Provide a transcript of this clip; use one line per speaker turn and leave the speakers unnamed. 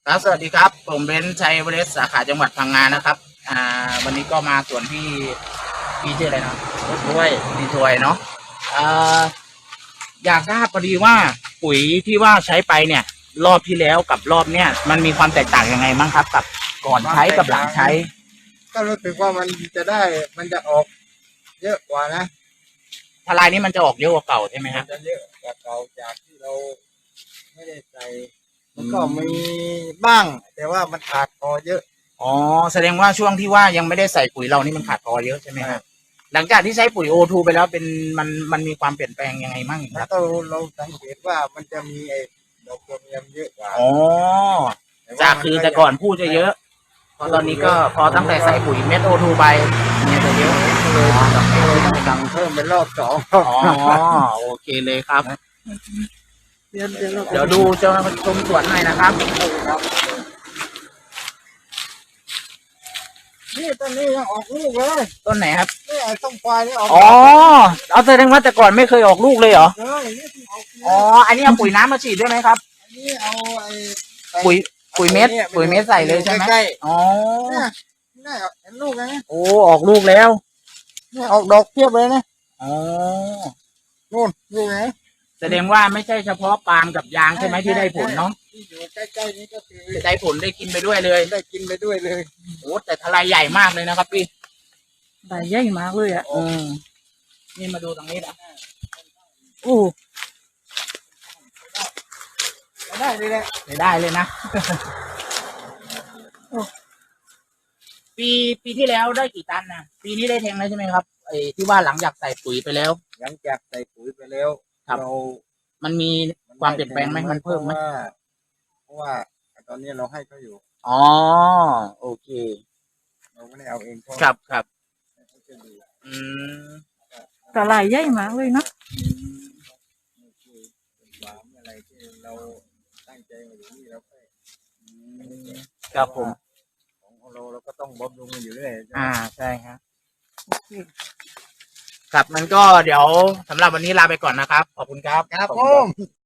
ครับสวัสดีครับผมเบนซ์ชัยเวสสาขาจังหวัดพังงานะครับวันนี้ก็มาส่วนพี่ชื่ออะไรนะพี่ถวยเนาะอ่าอยากทราบพอดีว่าปุ๋ยที่ว่าใช้ไปเนี่ย รอบที่แล้วกับรอบเนี้ยมันมีความแตกต่างยังไงบ้างครับกับก่อนใช้กับหลังใช้
ก็รู้สึกว่ามันจะได้มันจะออกเยอะกว่านะ
ทลายนี้มันจะออกเยอะกว่าเก่าใช่ไหมค
มั
รับ
นจะเยอะกว่าเก่าจากที่เราไม่ได้ใส่มันก็มีบ้าง แต่ว่ามันขาดพอเยอะ
อ๋อแสดงว่าช่วงที่ว่ายังไม่ได้ใส่ปุ๋ยเรานี่มันขาดพอเยอะใช่ไหมครับหลังจากที่ใช้ปุ๋ยโอทูไปแล้วเป็นมันมีความเปลี่ยนแปลงยังไงบ้างค
แล้
รับ
วก็เราสังเกตว่ามันจะมีไอ้ดอกโคเมียมเยอะกว่า
อ๋อจากคือแต่ก่อนพูดจะเยอะพอตอนนี้ก็พอตั้งแต่ใส่ปุ๋ยเม็ดโอทูไปเนี่ยจะเยอะ
เลยต้องสั่งเพิ่มเป็นรอบสอง
อ๋อโอเคเลยครับเดี๋ยวดูจะชมสวนหน่อยนะครับ
นี่ต้นนี้ยังออกลูกเลย
ต้นไหนครับ
นี่ไอ้ต้นควายนี่ออก
อ๋อเอาแสดงว่าแต่ก่อนไม่เคยออกลูกเลยเหรอ
นี่ออก
อ๋ออันนี้เอาปุ๋ยน้ำมาฉีดด้วยไหมครับ
อันนี้เอาไอ้
ปุ๋ยเม็ดใส่เลยใช่ไหม
ใกล้
อ๋อ
นี่เห็นลูกไหม
โอ้ออกลูกแล้ว
นี่ออกดอกเพียบเลยนะ
อ๋อ
นู่นลูกไหน
แสดงว่าไม่ใช่เฉพาะปาล์มกับยางใช่ไหมที่ได้ผลเนาะ
ที่อยู่ใกล้ๆนี้ก็คือ
จะได้ผลได้กินไปด้วยเลย
ได้กินไปด้วยเลย
โอ้แต่ทลายใหญ่มากเลยนะครับพี่
ใบใหญ่มากเลยอ่ะ
นี่มาดูตรงนี้นะ
ได้เลยแหละ
ได้เลยนะปีที่แล้วได้กี่ตันนะปีนี้ได้แทงแล้วใช่ไหมครับไอ้ที่ว่าหลังจากใส่ปุ๋ยไปแล้ว
หลังจากใส่ปุ๋ยไปแล้วเรา
มันมีความเปลี่ยนแปลงไหมมันเพิ่มไหม
เพราะว่าตอนนี้เราให้เขาอยู่
อ๋อโอเค
เราไม่ได้เอาเอง
ครับอืม
กระไรใหญ่มากเลยเนาะ
อะไรที่เราตั้งใจมาอยู่นี่เราก็
ครับผม
ของเราก็ต้องบำรุงมันอยู่เรื่อย
ใช่ครับครับมันก็เดี๋ยวสำหรับวันนี้ลาไปก่อนนะครับขอบคุณครับ
ครับผม